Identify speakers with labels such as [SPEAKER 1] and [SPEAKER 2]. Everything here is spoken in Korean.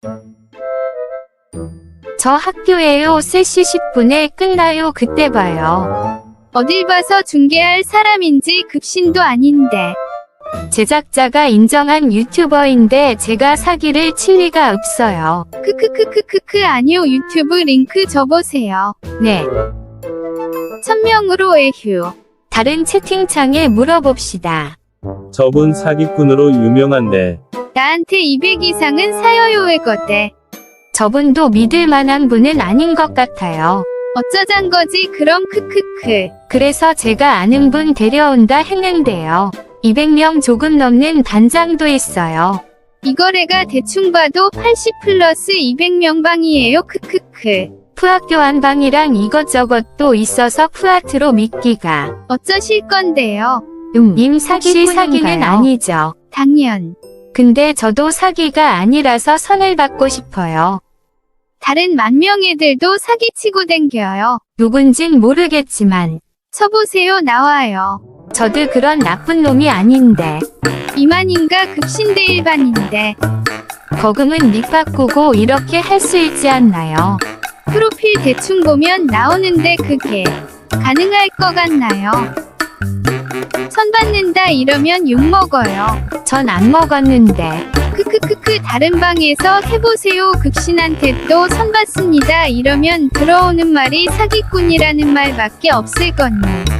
[SPEAKER 1] 저 학교에요. 3시 10분에 끝나요. 그때 봐요.
[SPEAKER 2] 어딜 봐서 중계할 사람인지 급신도 아닌데.
[SPEAKER 1] 제작자가 인정한 유튜버인데 제가 사기를 칠 리가 없어요.
[SPEAKER 2] 크크크크크크 아니요 유튜브 링크 줘보세요.
[SPEAKER 1] 네.
[SPEAKER 2] 1000명으로 에휴.
[SPEAKER 1] 다른 채팅창에 물어봅시다.
[SPEAKER 3] 저분 사기꾼으로 유명한데
[SPEAKER 2] 나한테 200 이상은 사여요 외거대.
[SPEAKER 1] 저분도 믿을 만한 분은 아닌 것 같아요.
[SPEAKER 2] 어쩌잔 거지 그럼 크크크.
[SPEAKER 1] 그래서 제가 아는 분 데려온다 했는데요. 200명 조금 넘는 단장도 있어요.
[SPEAKER 2] 이거래가 대충 봐도 80 플러스 200명 방이에요 크크크.
[SPEAKER 1] 푸학교환방이랑 이것저것도 있어서 푸아트로 믿기가.
[SPEAKER 2] 어쩌실 건데요?
[SPEAKER 1] 님 사기는 아니죠.
[SPEAKER 2] 당연.
[SPEAKER 1] 근데 저도 사기가 아니라서 선을 받고 싶어요.
[SPEAKER 2] 다른 만명 애들도 사기치고 댕겨요.
[SPEAKER 1] 누군진 모르겠지만
[SPEAKER 2] 쳐보세요 나와요.
[SPEAKER 1] 저도 그런 나쁜 놈이 아닌데.
[SPEAKER 2] 이만인가 급신대 일반인데.
[SPEAKER 1] 거금은 닉 바꾸고 이렇게 할 수 있지 않나요?
[SPEAKER 2] 프로필 대충 보면 나오는데 그게 가능할 것 같나요? 선 받는다 이러면 욕먹어요.
[SPEAKER 1] 전 안 먹었는데.
[SPEAKER 2] 크크크크 다른 방에서 해보세요. 급신한테 또 선 받습니다 이러면 들어오는 말이 사기꾼이라는 말밖에 없을 거니.